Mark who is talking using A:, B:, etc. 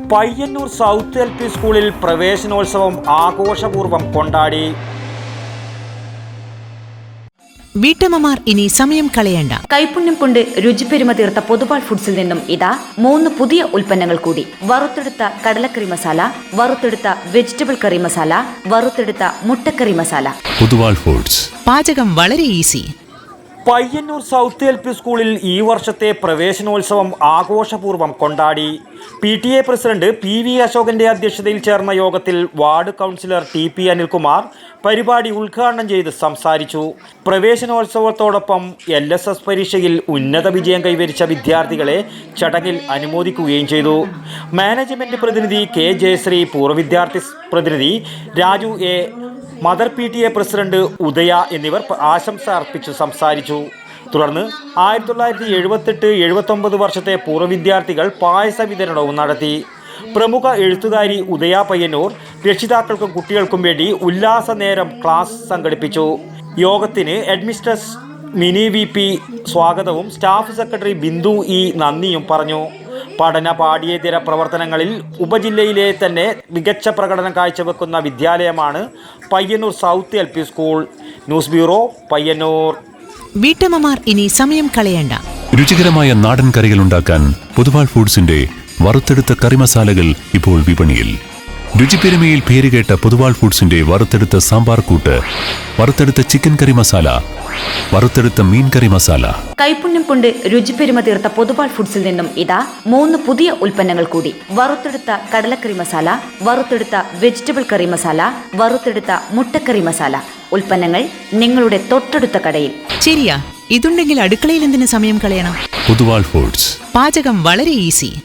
A: Payyanur south LP സ്കൂളിൽ പ്രവേശനോത്സവം ആഘോഷപൂർവ്വം കൊണ്ടാടി.
B: വീട്ടമ്മമാർ ഇനി സമയം കളയണ്ട.
C: കൈപുണ്യം കൊണ്ട് രുചിപ്പെരുമ തീർത്ത പൊതുവാൾ ഫുഡ്സിൽ നിന്നും ഇതാ 3 പുതിയ ഉൽപ്പന്നങ്ങൾ കൂടി. വറുത്തെടുത്ത കടലക്കറി മസാല, വറുത്തെടുത്ത വെജിറ്റബിൾ കറി മസാല, വറുത്തെടുത്ത മുട്ടക്കറി മസാല.
D: പൊതുവാൾ ഫുഡ്സ്.
B: പാചകം വളരെ ഈസി.
A: പയ്യന്നൂർ സൗത്ത് LP സ്കൂളിൽ ഈ വർഷത്തെ പ്രവേശനോത്സവം ആഘോഷപൂർവ്വം കൊണ്ടാടി. PTA പ്രസിഡന്റ് PV അശോകന്റെ അധ്യക്ഷതയിൽ ചേർന്ന യോഗത്തിൽ വാർഡ് കൗൺസിലർ TP അനിൽകുമാർ പരിപാടി ഉദ്ഘാടനം ചെയ്ത് സംസാരിച്ചു. പ്രവേശനോത്സവത്തോടൊപ്പം LSS പരീക്ഷയിൽ ഉന്നത വിജയം കൈവരിച്ച വിദ്യാർത്ഥികളെ ചടങ്ങിൽ അനുമോദിക്കുകയും ചെയ്തു. മാനേജ്മെന്റ് പ്രതിനിധി K ജയശ്രീ, പൂർവ്വ വിദ്യാർത്ഥി പ്രതിനിധി Raju A, mother PTA president Udaya എന്നിവർ ആശംസ അർപ്പിച്ചു സംസാരിച്ചു. തുടർന്ന് 1978-79 വർഷത്തെ പൂർവ്വ വിദ്യാർത്ഥികൾ പായസ വിതരണവും നടത്തി. പ്രമുഖ എഴുത്തുകാരി ഉദയ പയ്യന്നൂർ രക്ഷിതാക്കൾക്കും കുട്ടികൾക്കും വേണ്ടി ഉല്ലാസ നേരം ക്ലാസ് സംഘടിപ്പിച്ചു. യോഗത്തിന് ഹെഡ്മിസ്ട്രസ് മിനി VP സ്വാഗതവും സ്റ്റാഫ് സെക്രട്ടറി ബിന്ദു E നന്ദിയും പറഞ്ഞു. പഠന പാഠ്യേതര പ്രവർത്തനങ്ങളിൽ ഉപജില്ലയിലെ തന്നെ മികച്ച പ്രകടനം കാഴ്ചവെക്കുന്ന വിദ്യാലയമാണ് Payyanur south LP school. News bureau, Payyanur.
B: വീട്ടമ്മമാർ ഇനി സമയം കളയണ്ട.
D: രുചികരമായ നാടൻ കറികൾ ഉണ്ടാക്കാൻ പൊതുവാൾ ഫുഡ്സിന്റെ വറുത്തെടുത്ത കറി മസാലകൾ ഇപ്പോൾ വിപണിയിൽ. രുചിപ്പെരുമയിൽ പേരുകേട്ട പൊതുവാൾ ഫുഡ്സിന്റെ വറുത്തെടുത്ത സാമ്പാർ കൂട്ട്, വറുത്തെടുത്ത ചിക്കൻ കറി മസാല, വറുത്തെടുത്ത മീൻ കറി മസാല.
C: കൈപുണ്യം കൊണ്ട് രുചിപ്പെരുമ തീർത്ത പൊതുവാൾ ഫുഡ്സിൽ നിന്നും ഇതാ 3 പുതിയ ഉൽപ്പന്നങ്ങൾ കൂടി. വറുത്തെടുത്ത കടലക്കറി മസാല, വറുത്തെടുത്ത വെജിറ്റബിൾ കറി മസാല, വറുത്തെടുത്ത മുട്ടക്കറി മസാല. ഉൽപ്പന്നങ്ങൾ നിങ്ങളുടെ തൊട്ടടുത്ത കടയിൽ.
B: ശരിയാ, ഇതുണ്ടെങ്കിൽ അടുക്കളയിൽ എന്തിനു സമയം കളയണം?
D: പൊതുവാൾ ഫുഡ്സ്.
B: പാചകം വളരെ ഈസി.